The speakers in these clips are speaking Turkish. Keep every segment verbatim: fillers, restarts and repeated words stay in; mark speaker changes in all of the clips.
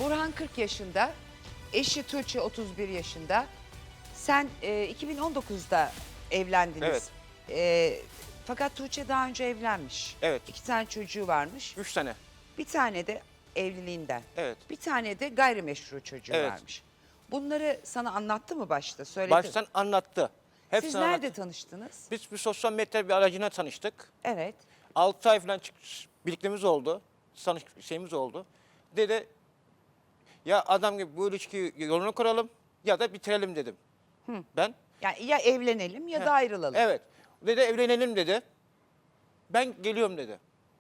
Speaker 1: Burhan kırk yaşında, eşi Tuğçe otuz bir yaşında. Sen e, iki bin on dokuzda evlendiniz.
Speaker 2: Evet.
Speaker 1: E, fakat Tuğçe daha önce evlenmiş.
Speaker 2: Evet.
Speaker 1: İki tane çocuğu varmış.
Speaker 2: Üç tane.
Speaker 1: Bir tane de evliliğinden.
Speaker 2: Evet.
Speaker 1: Bir tane de gayrimeşru çocuğu
Speaker 2: Evet.
Speaker 1: varmış. Bunları sana anlattı mı başta? Söyledi.
Speaker 2: Baştan anlattı. Hepsini
Speaker 1: Siz nerede
Speaker 2: anlattı.
Speaker 1: tanıştınız?
Speaker 2: Biz bir sosyal medya bir aracına tanıştık.
Speaker 1: Evet.
Speaker 2: altı ay falan çık- birliktemiz oldu. Tanış şeyimiz oldu. Dedi ya adam gibi bu ilişkiyi yolunu kuralım ya da bitirelim dedim. Ben
Speaker 1: Yani ya evlenelim ya da ayrılalım.
Speaker 2: evet. Dedi evlenelim dedi. Ben geliyorum dedi.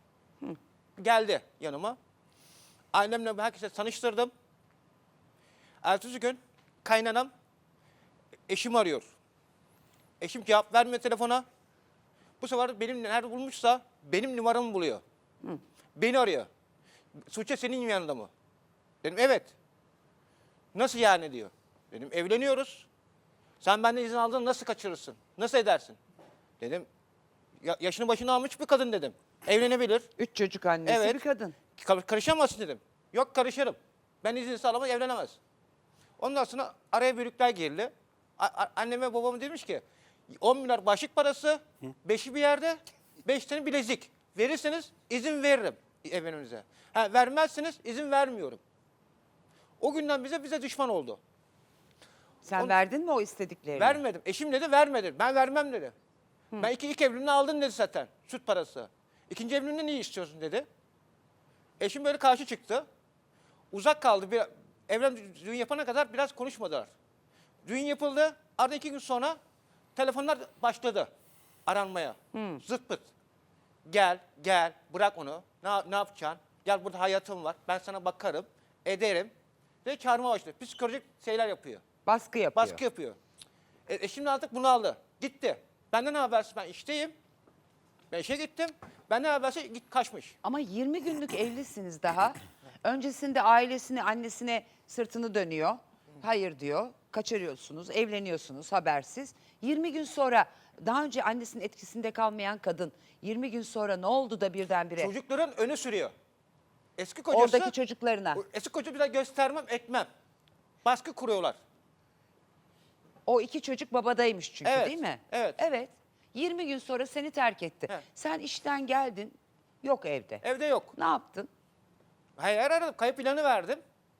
Speaker 2: Geldi yanıma. Annemle herkese tanıştırdım. Ertesi gün kaynanam eşim arıyor. Eşim cevap vermiyor telefona. Bu sefer benim nerede bulmuşsa benim numaramı buluyor. Beni arıyor. Tuğçe senin yanında mı? Dedim evet. Nasıl yani diyor. Dedim evleniyoruz. Sen benden izin aldın nasıl kaçırırsın? Nasıl edersin? Dedim ya, yaşını başına almış bir kadın dedim. Evlenebilir.
Speaker 1: Üç çocuk annesi
Speaker 2: Evet.
Speaker 1: bir kadın.
Speaker 2: Kar- Karışamazsın dedim. Yok karışırım. Ben izinsiz alamaz evlenemez. Ondan sonra araya büyükler girdi. A- a- anneme babama demiş ki on milyar başlık parası, beşi bir yerde, beş tane bilezik. Verirseniz izin veririm evleninize. Ha, vermezseniz izin vermiyorum. O günden bize bize düşman oldu.
Speaker 1: Sen
Speaker 2: On-
Speaker 1: verdin mi o istediklerini?
Speaker 2: Vermedim. Eşim dedi vermedi. Ben vermem dedi. Ben iki, ilk evliliğini aldın dedi zaten. Süt parası. İkinci evliliğinde niye istiyorsun dedi. Eşim böyle karşı çıktı. Uzak kaldı. Bir, evlen düğün yapana kadar biraz konuşmadılar. Düğün yapıldı. Arada iki gün sonra telefonlar başladı aranmaya. Zıt pıt. Gel, gel, bırak onu. Ne, ne yapacaksın? Gel burada hayatım var. Ben sana bakarım, ederim. Ve çağırma başladı. Psikolojik şeyler yapıyor.
Speaker 1: Baskı yapıyor.
Speaker 2: Baskı yapıyor. E, eşim de artık bunu aldı. Gitti. Benden ne habersiz ben işteyim. Ben işe gittim. Benden habersiz git kaçmış.
Speaker 1: Ama yirmi günlük evlisiniz daha. Öncesinde ailesine, annesine sırtını dönüyor. Hayır diyor. Kaçırıyorsunuz, evleniyorsunuz habersiz. yirmi gün sonra daha önce annesinin etkisinde kalmayan kadın yirmi gün sonra ne oldu da birdenbire
Speaker 2: Çocukların önü sürüyor. Eski kocası...
Speaker 1: oradaki çocuklarına
Speaker 2: Eski koca bir daha göstermem, etmem. Baskı kuruyorlar.
Speaker 1: o iki çocuk babadaymış çünkü
Speaker 2: Evet,
Speaker 1: değil mi?
Speaker 2: evet.
Speaker 1: Evet. yirmi gün sonra seni terk etti.
Speaker 2: Evet.
Speaker 1: Sen işten geldin, yok evde.
Speaker 2: Evde yok.
Speaker 1: Ne yaptın?
Speaker 2: Hayır aradım. Kayıp ilanı verdim.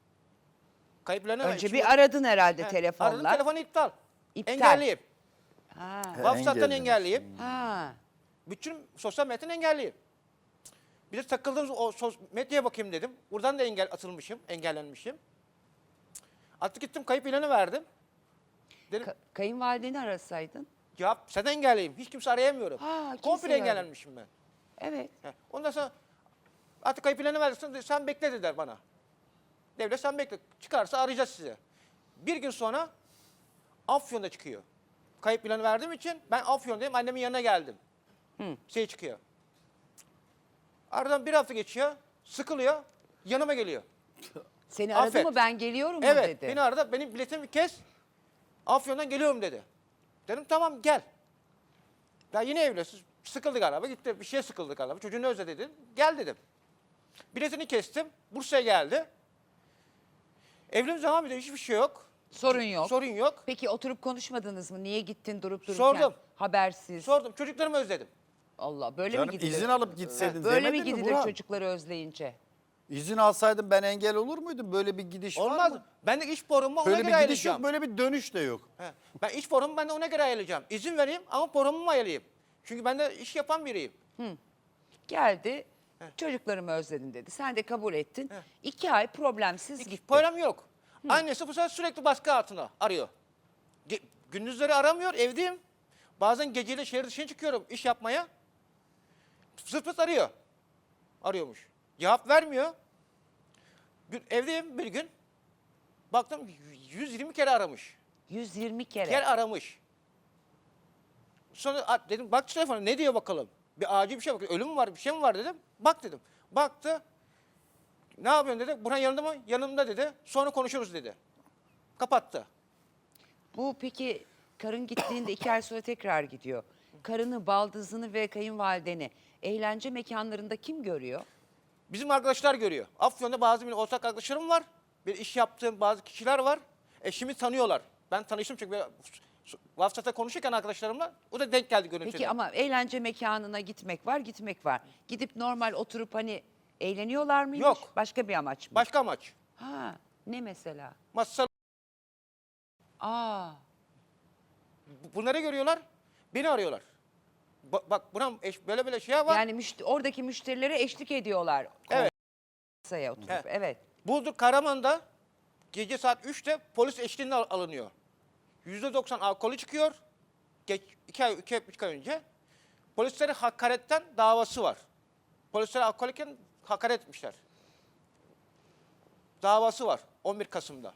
Speaker 2: Kayıp ilanı
Speaker 1: Önce
Speaker 2: verdim.
Speaker 1: bir aradın herhalde
Speaker 2: He,
Speaker 1: telefonla.
Speaker 2: Aradım telefonu iptal.
Speaker 1: İptal.
Speaker 2: Engelliyim.
Speaker 1: Ha.
Speaker 2: WhatsApp'tan
Speaker 3: engellemiş.
Speaker 2: engelliyim.
Speaker 1: Ha.
Speaker 2: Bütün sosyal medyadan engelliyim. Bir de takıldığım o sos- medyaya bakayım dedim. Buradan da engel atılmışım, engellenmişim. Artık gittim kayıp ilanı verdim. Dedim
Speaker 1: Ka- kayınvalideni arasaydın.
Speaker 2: cevap sen engelliyim. Hiç kimse arayamıyorum.
Speaker 1: Ha, kimse
Speaker 2: Komple
Speaker 1: yok.
Speaker 2: engellenmişim ben.
Speaker 1: Evet.
Speaker 2: He. Ondan sonra artık kayıp ilanı verdin sen bekle dediler bana. Devlet sen bekle. Çıkarsa arayacağız sizi. Bir gün sonra Afyon'da çıkıyor. Kayıp ilanı verdiğim için ben Afyon'dayım. Annemin yanına geldim. Şey çıkıyor. Aradan bir hafta geçiyor. Sıkılıyor. Yanıma geliyor.
Speaker 1: Seni aradı
Speaker 2: Affet.
Speaker 1: mı ben geliyorum mu
Speaker 2: Evet.
Speaker 1: dedi.
Speaker 2: Beni aradı. Benim biletimi kes. Afyon'dan geliyorum dedi. Dedim tamam gel. Ya yine evlisiz. Sıkıldı galiba. Gitti. Bir şeye sıkıldı galiba. Çocuğunu özledi dedim. Gel dedim. Biletini kestim. Bursa'ya geldi. Evliliğimiz devam ediyor. Hiçbir şey yok.
Speaker 1: Sorun yok.
Speaker 2: Sorun yok.
Speaker 1: Peki oturup konuşmadınız mı? Niye gittin durup dururken?
Speaker 2: Sordum.
Speaker 1: Habersiz.
Speaker 2: Sordum. Çocuklarımı özledim.
Speaker 1: Allah böyle
Speaker 3: Canım
Speaker 1: mi gidilir?
Speaker 3: izin alıp gitseydin
Speaker 1: Böyle mi
Speaker 3: demedin mi
Speaker 1: gidilir
Speaker 3: Burhan?
Speaker 1: çocukları özleyince?
Speaker 3: İzin alsaydın ben engel olur muydum? Böyle bir gidiş var
Speaker 2: Olmaz.
Speaker 3: mı?
Speaker 2: Ben de iş forumu ona
Speaker 3: Böyle
Speaker 2: göre
Speaker 3: bir gidiş
Speaker 2: ayarlayacağım.
Speaker 3: yok, böyle bir dönüş de yok.
Speaker 2: He. Ben iş forumu ben de ona göre ayarlayacağım. İzin vereyim ama forumumu ayarlayayım. Çünkü ben de iş yapan biriyim.
Speaker 1: Geldi, çocuklarımı özledim dedi. Sen de kabul ettin. İki ay problemsiz
Speaker 2: Hiç
Speaker 1: gitti.
Speaker 2: problem yok. Annesi bu sefer sürekli baskı altında arıyor. Ge- gündüzleri aramıyor, evdeyim. Bazen geceyle şehir dışına çıkıyorum iş yapmaya. Zırt pırt arıyor. Arıyormuş. Cevap vermiyor. Bir, evdeyim bir gün. Baktım yüz yirmi kere aramış.
Speaker 1: yüz yirmi kere.
Speaker 2: Kere aramış. Sonra a- dedim bak şu telefona ne diyor bakalım. Bir acil bir şey bakıyor. Ölüm mü var bir şey mi var dedim. Bak dedim. Baktı. Ne yapıyorsun dedi. Burhan yanında mı? Yanımda dedi. Sonra konuşuruz dedi. Kapattı.
Speaker 1: Bu peki karın gittiğinde iki ay sonra tekrar gidiyor. Karını, baldızını ve kayınvalideni eğlence mekanlarında kim görüyor?
Speaker 2: Bizim arkadaşlar görüyor. Afyon'da bazı benim ortak arkadaşlarım var. bir iş yaptığım bazı kişiler var. Eşimi tanıyorlar. Ben tanıştım çünkü böyle WhatsApp'ta konuşurken arkadaşlarımla o da denk geldi görüntüde.
Speaker 1: Peki ama eğlence mekanına gitmek var, gitmek var. Gidip normal oturup hani eğleniyorlar mıymış?
Speaker 2: Yok.
Speaker 1: Başka bir amaç mı?
Speaker 2: Başka amaç.
Speaker 1: Ha, ne mesela?
Speaker 2: Masa
Speaker 1: Aa,
Speaker 2: bunları görüyorlar, beni arıyorlar. Ba- bak buna eş, böyle böyle şey var.
Speaker 1: yani müşte- oradaki müşterilere eşlik ediyorlar.
Speaker 2: Evet.
Speaker 1: Masaya oturup,
Speaker 2: Evet.
Speaker 1: evet.
Speaker 2: Burdur Karaman'da gece saat üçte polis eşliğinde al- alınıyor. yüzde doksan alkolü çıkıyor. Geç, iki ay, iki, üç ay önce. Polislere hakaretten davası var. Polislere alkollüyken hakaret etmişler. Davası var on bir Kasım'da.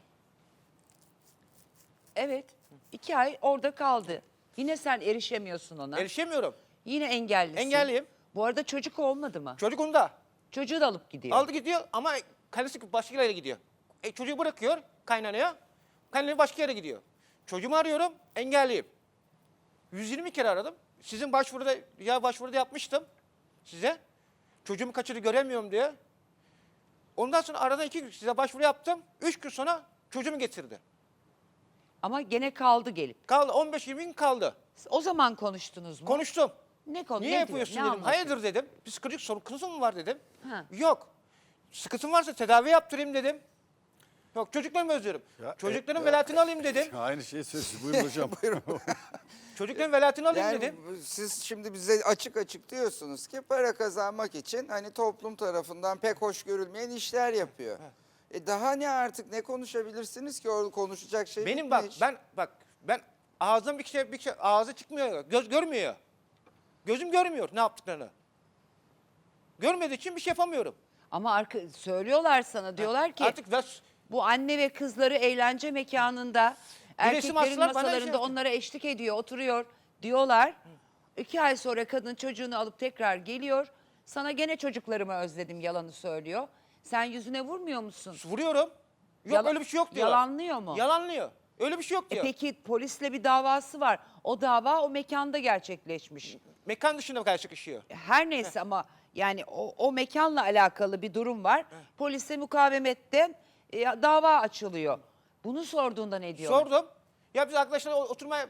Speaker 1: Evet, iki ay orada kaldı. Yine sen erişemiyorsun ona.
Speaker 2: Erişemiyorum.
Speaker 1: Yine engellisin.
Speaker 2: Engelliyim.
Speaker 1: Bu arada çocuk olmadı mı?
Speaker 2: Çocuk onda.
Speaker 1: Çocuğu da alıp gidiyor.
Speaker 2: Aldı gidiyor ama karısı başka yere gidiyor. E, çocuğu bırakıyor kaynanaya. Kaynanaya başka yere gidiyor. Çocuğumu arıyorum, engelliyim. yüz yirmi kere aradım. Sizin başvuruda, ya başvuruda yapmıştım size. Çocuğumu kaçırdı göremiyorum diye. Ondan sonra arada iki gün size başvuru yaptım. Üç gün sonra çocuğumu getirdi.
Speaker 1: Ama gene kaldı gelip.
Speaker 2: Kaldı on beş yirmi gün kaldı.
Speaker 1: O zaman konuştunuz mu?
Speaker 2: Konuştum.
Speaker 1: Ne konu?
Speaker 2: Niye
Speaker 1: ne
Speaker 2: yapıyorsun
Speaker 1: diyor, ne
Speaker 2: dedim.
Speaker 1: anlatıyor?
Speaker 2: Hayırdır dedim. Psikolojik sorun kızım mı var dedim.
Speaker 1: Ha.
Speaker 2: Yok. Sıkıntım varsa tedavi yaptırayım dedim. Yok çocuklarımı özlüyorum.
Speaker 3: Ya,
Speaker 2: Çocukların
Speaker 3: e,
Speaker 2: velayetini alayım dedim.
Speaker 3: Aynı şeyi söylüyorsun. Buyurun hocam.
Speaker 2: Çocukların velayetini alayım
Speaker 4: Yani
Speaker 2: dedim.
Speaker 4: bu- siz şimdi bize açık açık diyorsunuz ki para kazanmak için hani toplum tarafından pek hoş görülmeyen işler yapıyor. E daha ne artık ne konuşabilirsiniz ki orada konuşacak şey
Speaker 2: Benim bak
Speaker 4: bitmiş.
Speaker 2: ben bak ben ağzım bir şey bir şey ağzı çıkmıyor. Göz görmüyor. Gözüm görmüyor ne yaptıklarını. Görmediği için bir şey yapamıyorum.
Speaker 1: Ama arka, söylüyorlar sana diyorlar ki
Speaker 2: Artık ver-
Speaker 1: bu anne ve kızları eğlence mekanında erkeklerin
Speaker 2: astılar, bana
Speaker 1: masalarında
Speaker 2: şey yaptı.
Speaker 1: onlara eşlik ediyor, oturuyor diyorlar. İki ay sonra kadın çocuğunu alıp tekrar geliyor. Sana gene çocuklarımı özledim yalanı söylüyor. Sen yüzüne vurmuyor musun?
Speaker 2: vuruyorum. Yok
Speaker 1: Yala-
Speaker 2: öyle bir şey yok diyor.
Speaker 1: Yalanlıyor mu?
Speaker 2: Yalanlıyor. Öyle bir şey yok
Speaker 1: E
Speaker 2: diyor.
Speaker 1: peki polisle bir davası var. O dava o mekanda gerçekleşmiş.
Speaker 2: Mekan dışında karşı kışıyor.
Speaker 1: Her neyse ama yani o, o mekanla alakalı bir durum var. Polise mukavemette e, dava açılıyor. Bunu sorduğunda ne diyor?
Speaker 2: Sordum. Ya biz arkadaşlarla oturmaya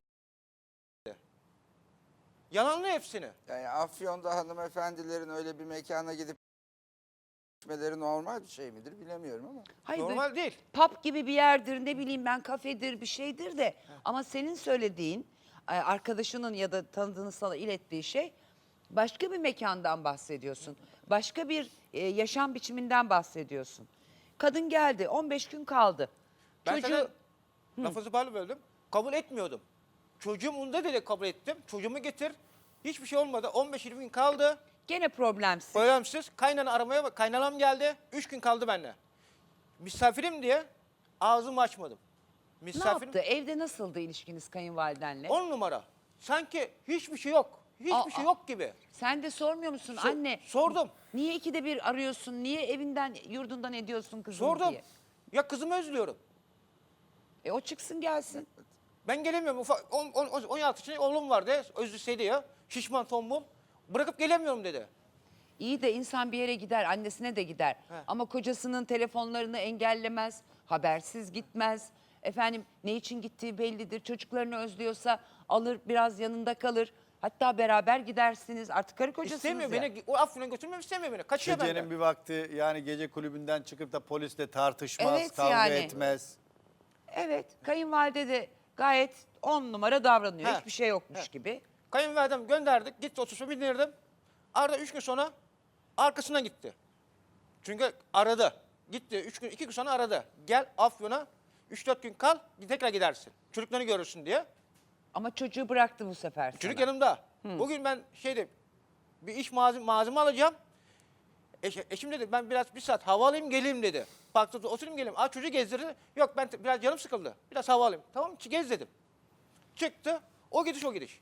Speaker 2: yalanlıyor hepsini.
Speaker 4: Yani Afyon'da hanımefendilerin öyle bir mekana gidip gitmeleri normal bir şey midir bilemiyorum ama.
Speaker 1: Hayır,
Speaker 2: Normal
Speaker 1: böyle
Speaker 2: değil.
Speaker 1: pub gibi bir yerdir, ne bileyim ben, kafedir, bir şeydir de. Ama senin söylediğin, e, arkadaşının ya da tanıdığını sana ilettiği şey başka bir mekandan bahsediyorsun. Başka bir e, yaşam biçiminden bahsediyorsun. Kadın geldi, on beş gün kaldı.
Speaker 2: Ben
Speaker 1: Çocuğu
Speaker 2: sana lafınızı bana böldüm. Kabul etmiyordum. Çocuğum onda dedi kabul ettim. Çocuğumu getir. Hiçbir şey olmadı. on beş yirmi gün kaldı.
Speaker 1: gene problemsiz.
Speaker 2: Problemsiz. Kaynana aramaya bak. Kaynanam geldi. Üç gün kaldı benimle. Misafirim diye ağzımı açmadım.
Speaker 1: Ne
Speaker 2: Misafirim.
Speaker 1: yaptı? Evde nasıldı ilişkiniz kayınvalidenle?
Speaker 2: On numara. Sanki hiçbir şey yok. Hiçbir
Speaker 1: Aa,
Speaker 2: şey
Speaker 1: aa.
Speaker 2: yok gibi.
Speaker 1: Sen de sormuyor musun
Speaker 2: So-
Speaker 1: anne?
Speaker 2: Sordum.
Speaker 1: Niye ikide bir arıyorsun? Niye evinden, yurdundan ediyorsun kızım
Speaker 2: Sordum.
Speaker 1: diye?
Speaker 2: Ya kızımı özlüyorum.
Speaker 1: E o çıksın gelsin.
Speaker 2: Ben gelemiyorum. Ufak, on, on, on altı yaşında oğlum vardı. Özlüseydi ya. Şişman tombul. Bırakıp gelemiyorum dedi.
Speaker 1: İyi de insan bir yere gider, annesine de gider.
Speaker 2: He.
Speaker 1: Ama kocasının telefonlarını engellemez, habersiz gitmez. Efendim ne için gittiği bellidir. Çocuklarını özlüyorsa alır, biraz yanında kalır. Hatta beraber gidersiniz. Artık karı kocasınız
Speaker 2: İstemiyor
Speaker 1: ya.
Speaker 2: beni. O Afyon'a götürmemi istemiyor beni. Kaçıyor
Speaker 3: Gecenin
Speaker 2: benden.
Speaker 3: bir vakti yani gece kulübünden çıkıp da polisle tartışmaz,
Speaker 1: Evet
Speaker 3: kavga
Speaker 1: yani.
Speaker 3: etmez.
Speaker 1: Evet, kayınvalide de gayet on numara davranıyor.
Speaker 2: He.
Speaker 1: Hiçbir şey yokmuş
Speaker 2: He.
Speaker 1: gibi.
Speaker 2: Kayınvalidem gönderdik. Gitti otobüse bindirdim. Arada üç gün sonra arkasına gitti. Çünkü aradı. Gitti. Üç gün, iki gün sonra aradı. Gel Afyon'a. Üç dört gün kal. Tekrar gidersin. Çocuklarını görürsün diye.
Speaker 1: Ama çocuğu bıraktı bu sefer sana.
Speaker 2: Çocuk yanımda. Bugün ben şeyde bir iş malzeme, malzeme alacağım. Eş, eşim dedi ben biraz bir saat hava alayım geleyim dedi. Parkta oturayım geleyim. Aa çocuğu gezdirdi. Yok ben te- biraz canım sıkıldı. Biraz hava alayım. Tamam mı? Gez dedim. Çıktı. O gidiş o gidiş.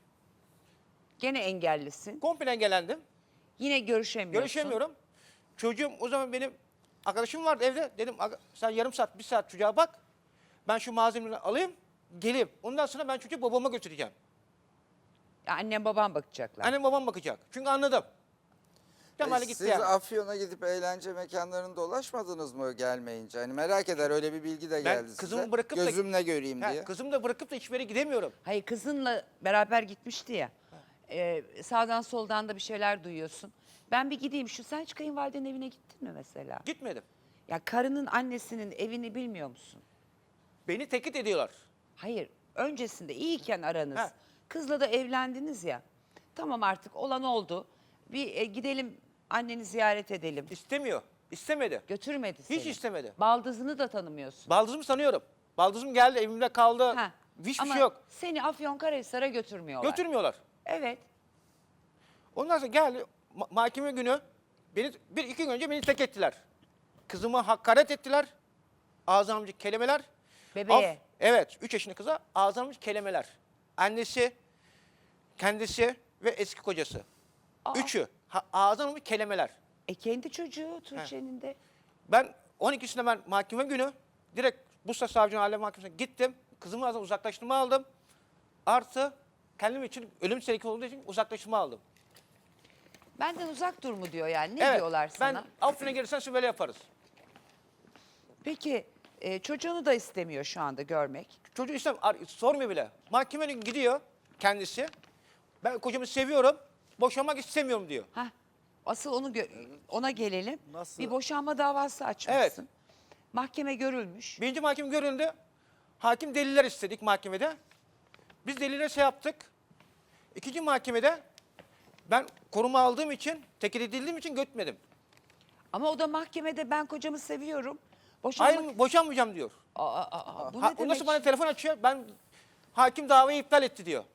Speaker 1: Gene engellisin.
Speaker 2: Komple engellendim.
Speaker 1: Yine görüşemiyorsun.
Speaker 2: Görüşemiyorum. Çocuğum o zaman benim arkadaşım vardı evde. Dedim "Aga, sen yarım saat bir saat çocuğa bak. Ben şu malzemeleri alayım geleyim. Ondan sonra ben çocuğu babama götüreceğim.
Speaker 1: Ya annem babam bakacaklar.
Speaker 2: Annem babam bakacak. Çünkü anladım. Kemal'e
Speaker 4: E,
Speaker 2: gitti
Speaker 4: Siz
Speaker 2: yani.
Speaker 4: Afyon'a gidip eğlence mekanlarında dolaşmadınız mı gelmeyince? Hani merak eder, öyle bir bilgi de geldi size.
Speaker 2: kızımı bırakıp da-
Speaker 4: Gözümle göreyim
Speaker 2: Ha,
Speaker 4: diye.
Speaker 2: kızımı da bırakıp da hiçbir yere gidemiyorum.
Speaker 1: Hayır, kızınla beraber gitmişti ya. Ee, sağdan soldan da bir şeyler duyuyorsun. Ben bir gideyim. Şu sen hiç kayınvalidenin evine gittin mi mesela?
Speaker 2: Gitmedim.
Speaker 1: Ya karının annesinin evini bilmiyor musun?
Speaker 2: Beni tehdit ediyorlar.
Speaker 1: Hayır. Öncesinde iyiyken aranız.
Speaker 2: Ha.
Speaker 1: Kızla da evlendiniz ya. Tamam, artık olan oldu. Bir e, gidelim anneni ziyaret edelim.
Speaker 2: İstemiyor. İstemedi.
Speaker 1: Götürmedi seni.
Speaker 2: Hiç istemedi.
Speaker 1: Baldızını da tanımıyorsun.
Speaker 2: Baldızımı sanıyorum. Baldızım geldi evimde kaldı.
Speaker 1: Ha.
Speaker 2: Hiçbir
Speaker 1: Ama
Speaker 2: şey yok.
Speaker 1: seni Afyonkarahisar'a götürmüyorlar.
Speaker 2: Götürmüyorlar.
Speaker 1: Evet.
Speaker 2: Ondan sonra geldi ma- mahkeme günü beni bir iki gün önce beni tek ettiler. Kızıma hakaret ettiler. Ağzımcı kelimeler.
Speaker 1: Bebeğe.
Speaker 2: Af- evet, üç yaşındaki kıza ağzımcı kelimeler. Annesi, kendisi ve eski kocası.
Speaker 1: Aa.
Speaker 2: Üçü. Ha, ağzımcı kelimeler.
Speaker 1: E kendi çocuğu Tuğçe'nin de.
Speaker 2: Ben on ikisinde ben mahkeme günü direkt Bursa Savcı Aile Mahkemesi'ne gittim. Kızımı ağzından uzaklaştırma aldım. Artı kendim için ölüm tehlikeli olduğu için uzaklaştırma aldım.
Speaker 1: Benden uzak dur mu diyor yani. Ne
Speaker 2: evet,
Speaker 1: diyorlar sana?
Speaker 2: ben Afyon'a gelirsen siz böyle yaparız.
Speaker 1: Peki e, çocuğunu da istemiyor şu anda görmek.
Speaker 2: Çocuğu istem ar- sormuyor bile. Mahkemeye gidiyor kendisi. Ben kocamı seviyorum, boşanmak istemiyorum diyor.
Speaker 1: Hah. Asıl onu gö- ona gelelim.
Speaker 3: Nasıl?
Speaker 1: Bir boşanma davası açmışsın.
Speaker 2: Evet.
Speaker 1: Mahkeme görülmüş.
Speaker 2: Birinci mahkeme görüldü. Hakim deliller istedik mahkemede. Biz delillere şey yaptık. İkinci mahkemede ben koruma aldığım için, tekil edildiğim için götmedim.
Speaker 1: Ama o da mahkemede ben kocamı seviyorum. Boşanmak...
Speaker 2: Hayır, boşanmayacağım diyor.
Speaker 1: Aa, aa, aa, bu
Speaker 2: Ha,
Speaker 1: ne
Speaker 2: o
Speaker 1: demek?
Speaker 2: nasıl bana telefon açıyor? Ben hakim davayı iptal etti diyor.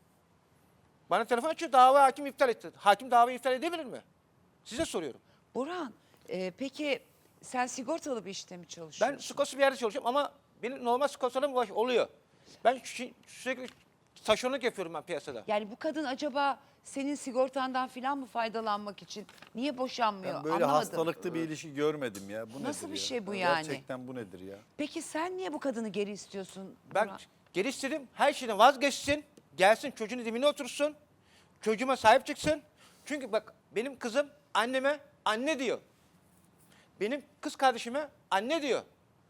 Speaker 2: Bana telefon açıyor, dava hakim iptal etti. Hakim davayı iptal edebilir mi? Size soruyorum.
Speaker 1: Burhan, e, peki sen sigortalı bir işte mi
Speaker 2: Ben
Speaker 1: çalışıyorsun?
Speaker 2: sigortalı bir yerde çalışıyorum ama benim normal sigortalım var- oluyor. Ben şi- sürekli taşeronluk yapıyorum ben piyasada.
Speaker 1: Yani bu kadın acaba senin sigortandan filan mı faydalanmak için niye boşanmıyor?
Speaker 3: Ben böyle
Speaker 1: Anlamadım.
Speaker 3: hastalıklı bir ilişki görmedim ya. Bu
Speaker 1: Nasıl
Speaker 3: nedir
Speaker 1: bir
Speaker 3: ya?
Speaker 1: şey bu
Speaker 3: Ya
Speaker 1: yani?
Speaker 3: Gerçekten bu nedir ya?
Speaker 1: Peki sen niye bu kadını geri istiyorsun?
Speaker 2: Ben
Speaker 1: Burhan?
Speaker 2: geri istedim, her şeyden vazgeçsin, gelsin çocuğun dibine otursun, çocuğuma sahip çıksın. Çünkü bak benim kızım anneme anne diyor. Benim kız kardeşime anne diyor.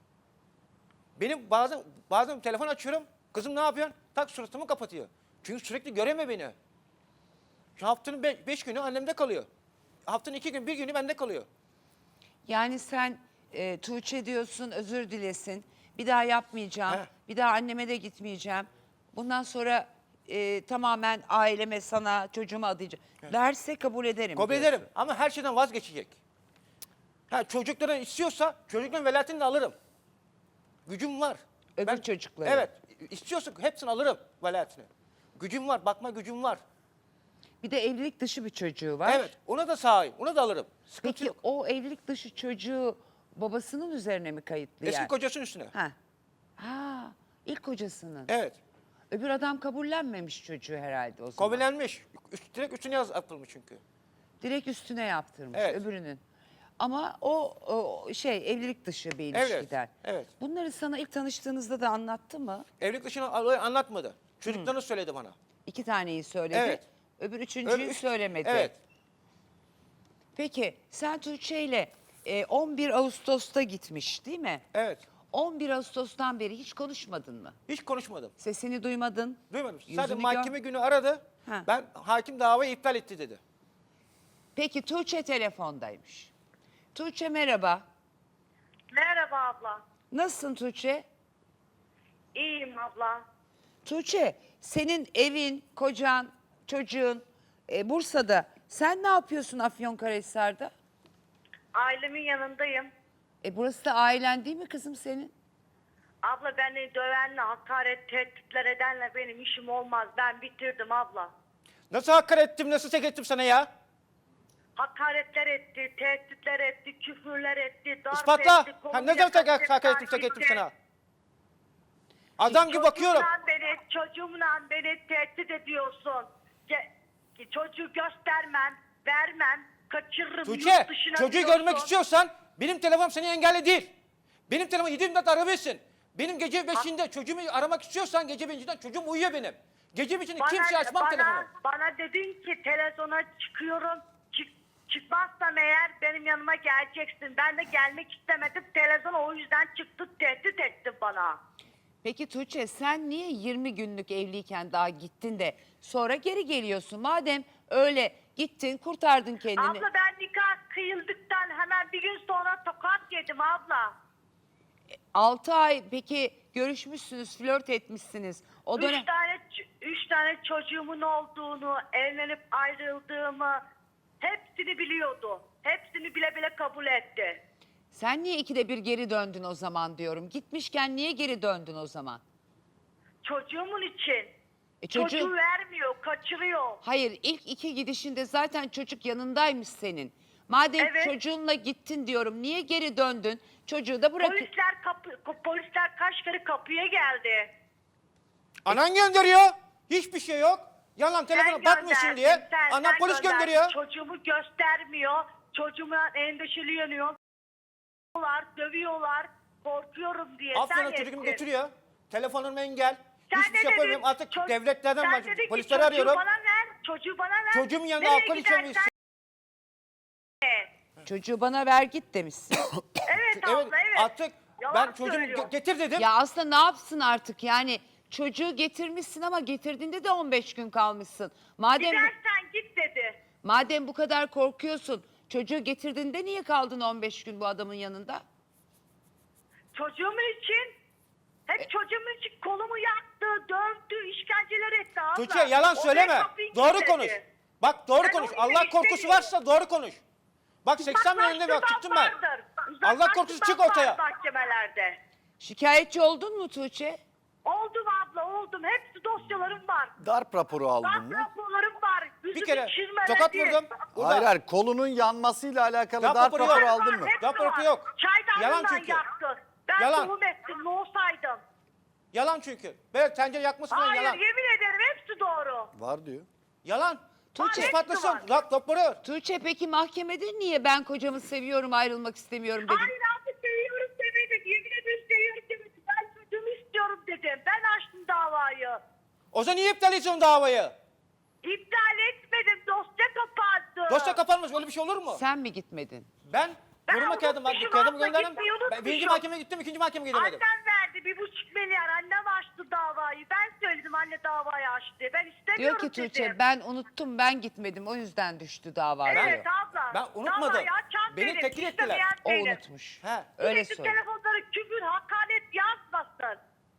Speaker 2: Benim bazen bazen telefon açıyorum, kızım ne yapıyorsun? Tak suratımı kapatıyor. Çünkü sürekli göreme beni. Şu haftanın be- beş günü annemde kalıyor. Haftanın iki gün, bir günü bende kalıyor.
Speaker 1: Yani sen e, Tuğçe diyorsun, özür dilesin. Bir daha yapmayacağım.
Speaker 2: He.
Speaker 1: Bir daha anneme de gitmeyeceğim. Bundan sonra e, tamamen aileme, sana, çocuğuma adayacağım. Derse kabul ederim.
Speaker 2: Kabul
Speaker 1: diyorsun.
Speaker 2: ederim ama her şeyden vazgeçecek. Ha, çocuklara istiyorsa çocukların velayetini de alırım. Gücüm var.
Speaker 1: Öbür çocukları.
Speaker 2: Evet. istiyorsa hepsini alırım velayetini. Gücüm var, bakma gücüm var.
Speaker 1: Bir de evlilik dışı bir çocuğu var.
Speaker 2: Evet, ona da sahip, ona da alırım. Sıkıntı
Speaker 1: Peki
Speaker 2: yok.
Speaker 1: o evlilik dışı çocuğu babasının üzerine mi kayıtlı
Speaker 2: Eski
Speaker 1: yani?
Speaker 2: kocasının üstüne.
Speaker 1: Ha. Ha, ilk kocasının.
Speaker 2: Evet.
Speaker 1: Öbür adam kabullenmemiş çocuğu herhalde o zaman.
Speaker 2: Kabullenmiş. Üst, direkt üstüne yaz yapılmış çünkü.
Speaker 1: Direkt üstüne yaptırmış
Speaker 2: Evet.
Speaker 1: öbürünün. Ama o, o şey evlilik dışı bir
Speaker 2: Evet,
Speaker 1: ilişkiden.
Speaker 2: evet.
Speaker 1: Bunları sana ilk tanıştığınızda da anlattı mı?
Speaker 2: Evlilik dışına olayı anlatmadı. Çocuklarını söyledi bana.
Speaker 1: İki taneyi söyledi.
Speaker 2: Evet.
Speaker 1: Öbür üçüncüyü
Speaker 2: Öbür üç-
Speaker 1: söylemedi.
Speaker 2: Evet.
Speaker 1: Peki sen Tuğçe ile e, on bir Ağustos'ta gitmiş değil mi?
Speaker 2: Evet.
Speaker 1: on bir Ağustos'tan beri hiç konuşmadın mı?
Speaker 2: Hiç konuşmadım.
Speaker 1: Sesini duymadın.
Speaker 2: Duymadım.
Speaker 1: Yüzünü
Speaker 2: Sadece
Speaker 1: gör-
Speaker 2: mahkeme günü aradı.
Speaker 1: Ha.
Speaker 2: Ben hakim davayı iptal etti dedi.
Speaker 1: Peki Tuğçe telefondaymış. Tuğçe merhaba.
Speaker 5: Merhaba abla.
Speaker 1: Nasılsın Tuğçe?
Speaker 5: İyiyim abla.
Speaker 1: Tuğçe senin evin, kocan, çocuğun e, Bursa'da. Sen ne yapıyorsun Afyonkarahisar'da?
Speaker 5: Ailemin yanındayım.
Speaker 1: E burası da ailen değil mi kızım senin?
Speaker 5: Abla beni dövenle, hakaret, tehditler edenle benim işim olmaz. Ben bitirdim abla.
Speaker 2: Nasıl hakaret ettim, nasıl tek ettim sana ya?
Speaker 5: Hakaretler etti, tehditler etti, küfürler etti, darp
Speaker 2: İspatla.
Speaker 5: etti.
Speaker 2: Ha,
Speaker 5: kolumu
Speaker 2: ne zaman tek
Speaker 5: yakalayıp
Speaker 2: hakaret ettim, tek ettim
Speaker 5: taciz
Speaker 2: sana?
Speaker 5: etti.
Speaker 2: Adam gibi bakıyorum.
Speaker 5: Çocuğumla beni, çocuğumla beni tehdit ediyorsun. Ge- çocuğu göstermem, vermem, kaçırırım.
Speaker 2: Tuğçe,
Speaker 5: yurt dışına
Speaker 2: çocuğu
Speaker 5: diyorsun.
Speaker 2: görmek istiyorsan benim telefonum seni engelli değil. Benim telefonum yedi yirmi dört arayabilirsin. Benim gece beşinde çocuğumu aramak istiyorsan gece beşinden çocuğum uyuyor benim. Gece beşinde kimseye açmam
Speaker 5: bana,
Speaker 2: telefonu.
Speaker 5: Bana dedin ki televizyona çıkıyorum, çık, Çıkmazsam eğer benim yanıma geleceksin. Ben de gelmek istemedim. Televizyon o yüzden çıktı, tehdit etti bana.
Speaker 1: Peki Tuğçe sen niye yirmi günlük evliyken daha gittin de sonra geri geliyorsun? Madem öyle gittin kurtardın kendini.
Speaker 5: Abla ben nikah kıyıldıktan hemen bir gün sonra tokat yedim abla.
Speaker 1: altı ay peki görüşmüşsünüz, flört etmişsiniz. O dönem
Speaker 5: Üç tane, üç tane çocuğumun olduğunu, evlenip ayrıldığımı hepsini biliyordu. Hepsini bile bile kabul etti.
Speaker 1: sen niye ikide bir geri döndün o zaman diyorum. Gitmişken niye geri döndün o zaman?
Speaker 5: Çocuğumun için.
Speaker 1: E çocuğu-
Speaker 5: Çocuğu vermiyor, kaçırıyor.
Speaker 1: Hayır, ilk iki gidişinde zaten çocuk yanındaymış senin. Madem
Speaker 5: Evet.
Speaker 1: çocuğunla gittin diyorum, niye geri döndün? Çocuğu da bırak.
Speaker 5: Polisler kapı, polisler kaç kere kapıya geldi.
Speaker 2: Anan gönderiyor. Hiçbir şey yok. Yalan telefona
Speaker 5: Sen
Speaker 2: bakmıyorsun
Speaker 5: gönderdin,
Speaker 2: diye.
Speaker 5: sen-
Speaker 2: Anan
Speaker 5: sen
Speaker 2: polis
Speaker 5: gönderdin.
Speaker 2: gönderiyor.
Speaker 5: Çocuğumu göstermiyor. Çocuğuma endişeli yanıyor. Dövüyorlar. Korkuyorum diye.
Speaker 2: Aferin
Speaker 5: sen
Speaker 2: çocuğumu
Speaker 5: ettin.
Speaker 2: götürüyor. Telefonum engel.
Speaker 5: Sen
Speaker 2: Hiçbir
Speaker 5: ne
Speaker 2: şey yapamıyorum.
Speaker 5: dedin?
Speaker 2: Artık
Speaker 5: Ço-
Speaker 2: devletlerden
Speaker 5: sen
Speaker 2: ben
Speaker 5: dedin ki
Speaker 2: polisleri
Speaker 5: çocuğu
Speaker 2: arıyorum.
Speaker 5: bana ver. Çocuğu bana ver.
Speaker 2: Çocuğumun yanında
Speaker 5: Nereye
Speaker 2: alkol
Speaker 5: gidersen-
Speaker 2: içemiyorsun.
Speaker 1: Çocuğu bana ver git demişsin.
Speaker 5: Evet abla
Speaker 2: Evet,
Speaker 5: evet.
Speaker 2: artık
Speaker 5: Yalan
Speaker 2: ben çocuğumu
Speaker 5: söylüyor.
Speaker 2: ge- getir dedim.
Speaker 1: Ya aslında ne yapsın artık yani çocuğu getirmişsin ama getirdiğinde de on beş gün kalmışsın. Madem
Speaker 5: Gidersen git dedi.
Speaker 1: madem bu kadar korkuyorsun çocuğu getirdiğinde niye kaldın on beş gün bu adamın yanında?
Speaker 5: Çocuğumun için
Speaker 2: E-
Speaker 5: hep çocuğumun için kolumu yaktı, dövdü, işkenceler etti abla.
Speaker 2: Tuğçe yalan
Speaker 5: O
Speaker 2: söyleme.
Speaker 5: beni kapıyı
Speaker 2: Doğru
Speaker 5: kilitledi.
Speaker 2: konuş. Bak doğru
Speaker 5: Ben
Speaker 2: konuş.
Speaker 5: onu
Speaker 2: Allah
Speaker 5: demek
Speaker 2: korkusu
Speaker 5: istemiyorum.
Speaker 2: varsa doğru konuş. Bak seksen milyon lira bak çıktım ben.
Speaker 5: Vardır.
Speaker 2: Allah korkusu çık
Speaker 5: Uzaklaştırmak
Speaker 2: ortaya.
Speaker 5: var mahkemelerde.
Speaker 1: Şikayetçi oldun mu Tuğçe?
Speaker 5: Oldum abla oldum. Hepsi dosyalarım var.
Speaker 3: Darp raporu aldın
Speaker 5: Darp
Speaker 3: mı?
Speaker 5: raporlarım var. Yüzümü
Speaker 2: Bir kere
Speaker 5: çizmeledi.
Speaker 2: tokat vurdum. Burada.
Speaker 3: Hayır hayır kolunun yanmasıyla alakalı
Speaker 2: Darp
Speaker 3: darp
Speaker 2: raporu
Speaker 3: raporu
Speaker 2: yok.
Speaker 3: aldın mı?
Speaker 5: Hepsi
Speaker 2: Darp raporu
Speaker 5: var.
Speaker 2: yok.
Speaker 5: Çaydanlığından
Speaker 2: Yalan çünkü.
Speaker 5: yaktı. Ben
Speaker 2: Yalan.
Speaker 5: tohum ettim. Ne olsaydım.
Speaker 2: Yalan çünkü. Böyle tencere yakması falan
Speaker 5: Hayır
Speaker 2: yalan.
Speaker 5: yemin ederim hepsi doğru.
Speaker 3: Var diyor.
Speaker 2: Yalan.
Speaker 1: Tuğçe-
Speaker 2: İspatlasın.
Speaker 5: Hepsi
Speaker 2: Rap raporu.
Speaker 1: Tuğçe peki mahkemede niye ben kocamı seviyorum ayrılmak istemiyorum dedin?
Speaker 5: Hayır abi seviyorum demedim. Yemin ederim seviyorum demedim. Ben çocuğumu istiyorum dedim. Ben açtım davayı.
Speaker 2: O zaman niye iptal ediyorsun davayı?
Speaker 5: İptal etmedim. Dosya kapattı.
Speaker 2: Dosya kapanmış. Öyle bir şey olur mu?
Speaker 1: Sen mi gitmedin?
Speaker 2: Ben
Speaker 5: Ben
Speaker 2: koruma kağıdım var.
Speaker 5: unutmuşum
Speaker 2: Kağıdımı
Speaker 5: abla,
Speaker 2: gönderdim.
Speaker 5: gitmeyi
Speaker 2: Ben
Speaker 5: unutmuşum.
Speaker 2: birinci mahkemeye gittim. ikinci mahkemeye gidemedim.
Speaker 5: Annem verdi bir buçuk milyar. Annem açtı davayı. Ben söyledim anne davayı açtı diye. Ben
Speaker 1: Diyor
Speaker 5: istemiyorum
Speaker 1: ki Tuğçe
Speaker 5: dedim.
Speaker 1: ben unuttum ben gitmedim o yüzden düştü dava.
Speaker 5: Evet
Speaker 1: diyor.
Speaker 5: abla.
Speaker 2: Ben unutmadım.
Speaker 5: Davayı açan
Speaker 2: Beni
Speaker 5: benim,
Speaker 2: tekil
Speaker 5: istemeyen
Speaker 2: ettiler.
Speaker 1: O
Speaker 5: benim.
Speaker 1: unutmuş.
Speaker 2: He.
Speaker 1: Öyle
Speaker 5: Sürekli
Speaker 1: söyle.
Speaker 5: telefonları küfür, hakaret yazmasın.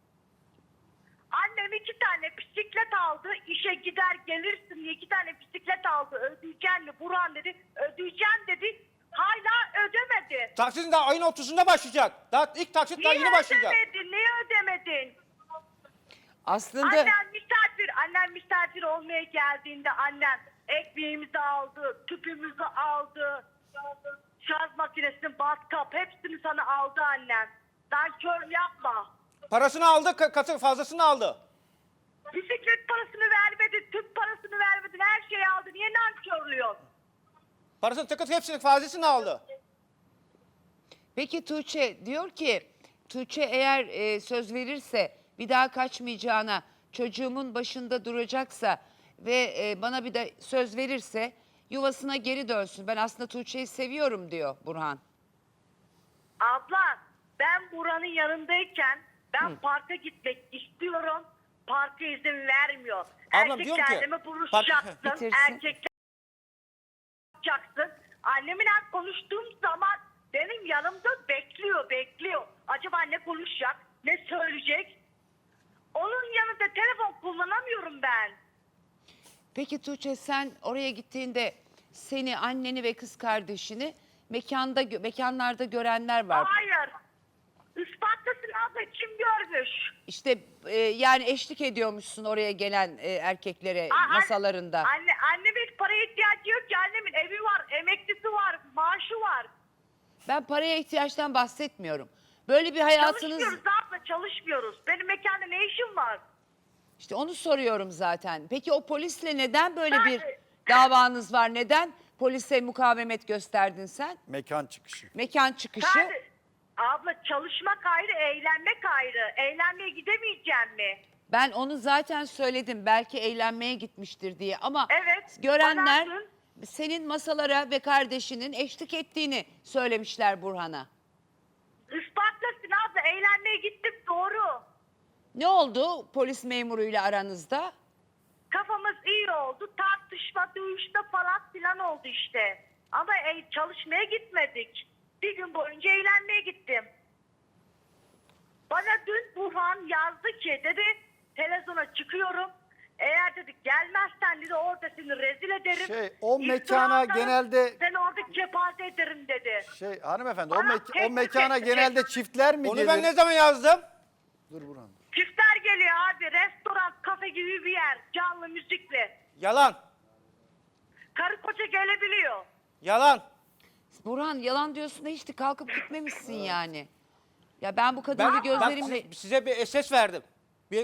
Speaker 5: Annem iki tane bisiklet aldı. İşe gider gelirsin diye iki tane bisiklet aldı. Ödeyeceksin mi? Burhan dedi. Ödeyeceğim dedi. Hala ödemedi.
Speaker 2: Taksitin daha ayın otuzunda başlayacak. Daha ilk taksit daha
Speaker 5: Niye
Speaker 2: yeni başlayacak.
Speaker 5: ödemedin? Niye ödemedin?
Speaker 1: Aslında
Speaker 5: Annem misafir. Annem misafir olmaya geldiğinde annem ekmeğimizi aldı. Tüpümüzü aldı. Şarj makinesini, batkap hepsini sana aldı annem. Nankör yapma.
Speaker 2: Parasını aldı, ka- katı fazlasını aldı.
Speaker 5: Bisiklet parasını vermedin, tüp parasını vermedin, her şeyi aldı. Niye nankörlüyorsun?
Speaker 2: Parasını tıkıt hepsini fazlasını aldı.
Speaker 1: peki Tuğçe diyor ki Tuğçe eğer e, söz verirse bir daha kaçmayacağına çocuğumun başında duracaksa ve e, bana bir de söz verirse yuvasına geri dönsün. Ben aslında Tuğçe'yi seviyorum diyor Burhan.
Speaker 5: Abla, ben buranın yanındayken ben parka gitmek istiyorum. Parka izin vermiyor.
Speaker 2: Ablam diyorum ki,
Speaker 5: Erkeklerle mi
Speaker 2: park-
Speaker 5: buluşacaksın?
Speaker 1: Bitirsin.
Speaker 5: Erkekler yapacaksın. Anneminle konuştuğum zaman benim yanımda bekliyor, bekliyor. Acaba ne konuşacak, ne söyleyecek? Onun yanında telefon kullanamıyorum ben.
Speaker 1: Peki Tuğçe sen oraya gittiğinde seni, anneni ve kız kardeşini mekanda gö- mekanlarda görenler var.
Speaker 5: Hayır. Ispatlasın abla, kim görmüş?
Speaker 1: İşte e, yani eşlik ediyormuşsun oraya gelen e, erkeklere
Speaker 5: Aa, an-
Speaker 1: masalarında.
Speaker 5: Anne, annemin paraya ihtiyacı yok ki. Annemin evi var, emeklisi var, maaşı var.
Speaker 1: Ben paraya ihtiyaçtan bahsetmiyorum. Böyle bir hayatınız
Speaker 5: Çalışmıyoruz abla, çalışmıyoruz. Benim mekanda ne işim var?
Speaker 1: işte onu soruyorum zaten. Peki o polisle neden böyle
Speaker 5: Ben-
Speaker 1: bir davanız var? Neden polise mukavemet gösterdin sen?
Speaker 3: Mekan çıkışı.
Speaker 1: Mekan çıkışı.
Speaker 5: Sen, abla çalışmak ayrı, eğlenmek ayrı. Eğlenmeye gidemeyeceğim mi?
Speaker 1: Ben onu zaten söyledim. Belki eğlenmeye gitmiştir diye ama
Speaker 5: Evet,
Speaker 1: görenler
Speaker 5: bana dün-
Speaker 1: senin masalara ve kardeşinin eşlik ettiğini söylemişler Burhan'a.
Speaker 5: Ispatlasın abla, eğlenmeye gittik doğru.
Speaker 1: Ne oldu polis memuruyla aranızda?
Speaker 5: Kafamız iyi oldu. Tartışma, dövüşme falan filan oldu işte. Ama e, çalışmaya gitmedik. Bir gün boyunca eğlenmeye gittim. Bana dün Burhan yazdı ki dedi televizyona çıkıyorum. Eğer dedi gelmezsen dedi orada seni rezil ederim.
Speaker 3: Şey, o
Speaker 5: İftira
Speaker 3: mekana
Speaker 5: atarım,
Speaker 3: genelde-
Speaker 5: seni orada kepaze ederim dedi.
Speaker 3: Şey hanımefendi o,
Speaker 5: Bana
Speaker 3: mek- o
Speaker 5: tehdit
Speaker 3: mekana
Speaker 5: etti.
Speaker 3: genelde çiftler mi
Speaker 2: Onu
Speaker 3: gelir?
Speaker 2: ben ne zaman yazdım?
Speaker 3: Dur Burhan.
Speaker 5: Çiftler geliyor abi. Restoran, kafe gibi bir yer. Canlı müzikli.
Speaker 2: Yalan.
Speaker 5: Karı koca gelebiliyor.
Speaker 2: Yalan.
Speaker 1: Burhan yalan diyorsun da hiç de kalkıp gitmemişsin yani. Ya ben bu kadını
Speaker 2: Ben,
Speaker 1: bir
Speaker 2: ben
Speaker 1: gözlerimle...
Speaker 2: size, size bir S S verdim. Bir,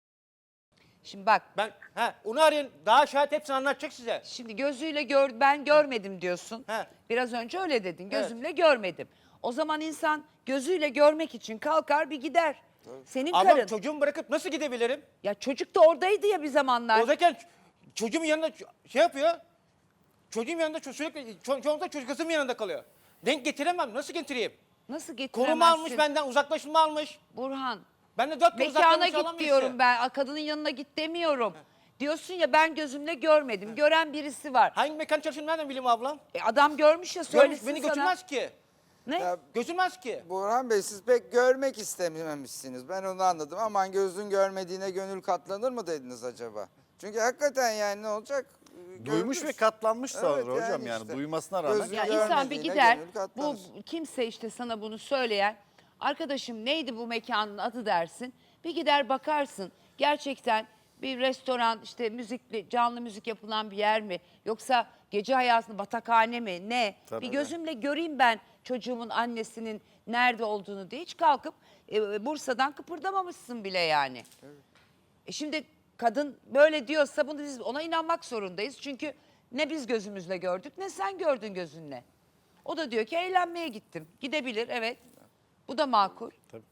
Speaker 1: Şimdi bak,
Speaker 2: ben he, onu arayın. Daha şahit hepsini anlatacak size.
Speaker 1: şimdi gözüyle gör, ben görmedim diyorsun.
Speaker 2: He.
Speaker 1: Biraz önce öyle dedin, gözümle görmedim. O zaman insan gözüyle görmek için kalkar bir gider. Senin
Speaker 2: Ama
Speaker 1: karın.
Speaker 2: çocuğumu bırakıp nasıl gidebilirim?
Speaker 1: Ya çocuk da oradaydı ya bir zamanlar.
Speaker 2: O zaman çocuğumun yanında ç- şey yapıyor. Çocuğum yanında ço- sürekli ço- çoğunlukla çocuk kızım yanında kalıyor. Denk getiremem. Nasıl getireyim?
Speaker 1: Nasıl getiremezsin?
Speaker 2: Koruma almış benden, uzaklaşma almış.
Speaker 1: Burhan,
Speaker 2: Ben de dört yıl
Speaker 1: mekana
Speaker 2: uzaklanmış
Speaker 1: git
Speaker 2: alan
Speaker 1: diyorum
Speaker 2: birisi.
Speaker 1: ben. Kadının yanına git demiyorum. Diyorsun ya ben gözümle görmedim. Gören birisi var.
Speaker 2: Hangi mekan çalıştığını nereden bileyim ablam?
Speaker 1: E, adam görmüş ya
Speaker 2: Görmüş,
Speaker 1: söylesin
Speaker 2: beni
Speaker 1: sana.
Speaker 2: götürmez ki.
Speaker 1: Ne?
Speaker 4: Ya
Speaker 2: Götürmez ki.
Speaker 4: Burhan Bey siz pek görmek istememişsiniz. Ben onu anladım. Aman gözün görmediğine gönül katlanır mı dediniz acaba? Çünkü hakikaten yani ne olacak?
Speaker 3: Duymuş
Speaker 4: Görmüş.
Speaker 3: ve katlanmış sonra
Speaker 4: Evet,
Speaker 3: hocam
Speaker 4: yani
Speaker 3: yani
Speaker 4: işte.
Speaker 3: duymasına rağmen.
Speaker 4: Gözü-
Speaker 1: Ya insan bir
Speaker 4: görmediğine
Speaker 1: gider.
Speaker 4: gönül
Speaker 1: Bu
Speaker 4: katlanır.
Speaker 1: kimse işte sana bunu söyleyen arkadaşım neydi bu mekanın adı dersin. Bir gider bakarsın. Gerçekten bir restoran işte müzikli canlı müzik yapılan bir yer mi? Yoksa gece hayatında batakhane mi? Ne?
Speaker 3: Tabii.
Speaker 1: Bir gözümle göreyim ben çocuğumun annesinin nerede olduğunu diye hiç kalkıp e, Bursa'dan kıpırdamamışsın bile yani. E şimdi kadın böyle diyorsa bunu biz ona inanmak zorundayız. Çünkü ne biz gözümüzle gördük ne sen gördün gözünle. O da diyor ki eğlenmeye gittim. Gidebilir evet. Bu da makul.
Speaker 3: Tabii.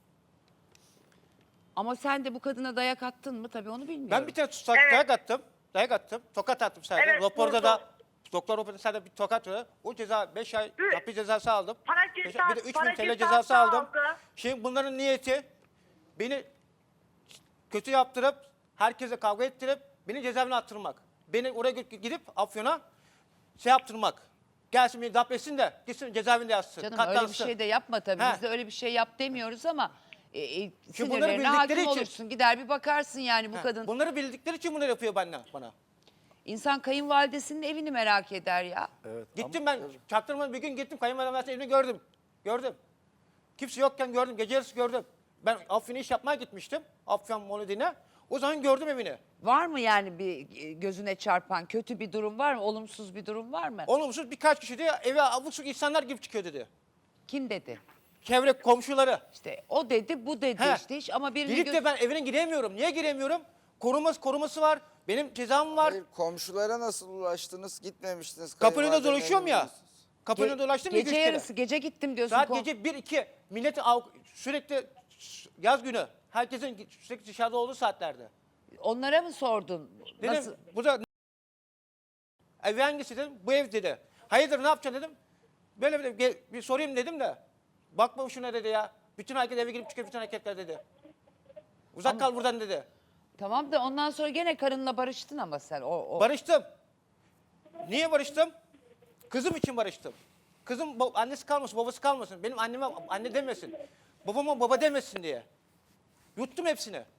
Speaker 1: Ama sen de bu kadına dayak attın mı tabii onu bilmiyorum.
Speaker 2: Ben bir tane tutsak
Speaker 5: Evet.
Speaker 2: dayak attım. Dayak attım. Tokat attım sadece.
Speaker 5: Evet,
Speaker 2: Raporda
Speaker 5: vurdu.
Speaker 2: da doktor raporda sadece bir tokat var. O ceza beş ay
Speaker 5: Hı.
Speaker 2: hapis cezası aldım.
Speaker 5: Para
Speaker 2: Beş ay-
Speaker 5: cezası-
Speaker 2: bir de üç
Speaker 5: para
Speaker 2: bin T L
Speaker 5: cezası
Speaker 2: cezası aldım.
Speaker 5: aldı.
Speaker 2: Şimdi bunların niyeti beni kötü yaptırıp herkese kavga ettirip beni cezaevine attırmak. Beni oraya gö- gidip Afyon'a şey yaptırmak. Gelsin beni dap etsin de gitsin cezaevinde yatsın.
Speaker 1: Canım öyle bir
Speaker 2: katlansın.
Speaker 1: şey de yapma tabii.
Speaker 2: He.
Speaker 1: Biz de öyle bir şey yap demiyoruz ama e, e,
Speaker 2: Çünkü bunları
Speaker 1: sinirlerine hakim
Speaker 2: bildikleri için-
Speaker 1: olursun. Gider bir bakarsın yani bu
Speaker 2: Ha,
Speaker 1: kadın.
Speaker 2: Bunları bildikleri için bunları yapıyor bana. bana.
Speaker 1: İnsan kayınvalidesinin evini merak eder ya.
Speaker 3: Evet,
Speaker 2: Gittim ben çaktırmadan bir gün gittim kayınvalidem evini gördüm. Gördüm. Kimse yokken gördüm. Gece yarısı gördüm. Ben Afyon'a iş yapmaya gitmiştim. Afyon Molodi'ne. O zaman gördüm evini.
Speaker 1: Var mı yani bir e, gözüne çarpan kötü bir durum var mı? Olumsuz bir durum var mı?
Speaker 2: Olumsuz birkaç kişi de eve abuk subuk insanlar gibi çıkıyor dedi.
Speaker 1: Kim dedi?
Speaker 2: Çevre komşuları.
Speaker 1: İşte o dedi, bu dedi
Speaker 2: He.
Speaker 1: işte hiç ama birini
Speaker 2: Gidip
Speaker 1: gö-
Speaker 2: de ben evine giremiyorum. Niye giremiyorum? Koruması koruması var. Benim cezam var.
Speaker 4: Hayır, komşulara nasıl ulaştınız? Gitmemiştiniz.
Speaker 2: Kapının önünde
Speaker 4: kayınvalidenin
Speaker 2: dolaşıyorum ya.
Speaker 4: evine.
Speaker 2: Kapının
Speaker 1: Ge-
Speaker 2: önünde dolaştım ya
Speaker 1: gece
Speaker 2: üç kere.
Speaker 1: yarısı gece gittim diyorsun.
Speaker 2: Saat
Speaker 1: Ko-
Speaker 2: gece bir iki. Milleti av- sürekli yaz günü. Herkesin sürekli dışarıda olduğu saatlerde.
Speaker 1: Onlara mı sordun?
Speaker 2: Dedim
Speaker 1: Nasıl?
Speaker 2: bu da ev hangisi dedim. Bu ev dedi. Hayırdır ne yapacaksın dedim. Böyle bir, gel- bir sorayım dedim de. Bakma şuna dedi ya. Bütün herkes eve girip çıkıyor bütün hareketler dedi. Uzak kal buradan dedi.
Speaker 1: Tamam da ondan sonra gene karınla barıştın ama sen. O, o.
Speaker 2: Barıştım. Niye barıştım? Kızım için barıştım. Kızım ba- annesi kalmasın, babası kalmasın. Benim anneme anne demesin. Babama baba demesin diye. Yuttum hepsini.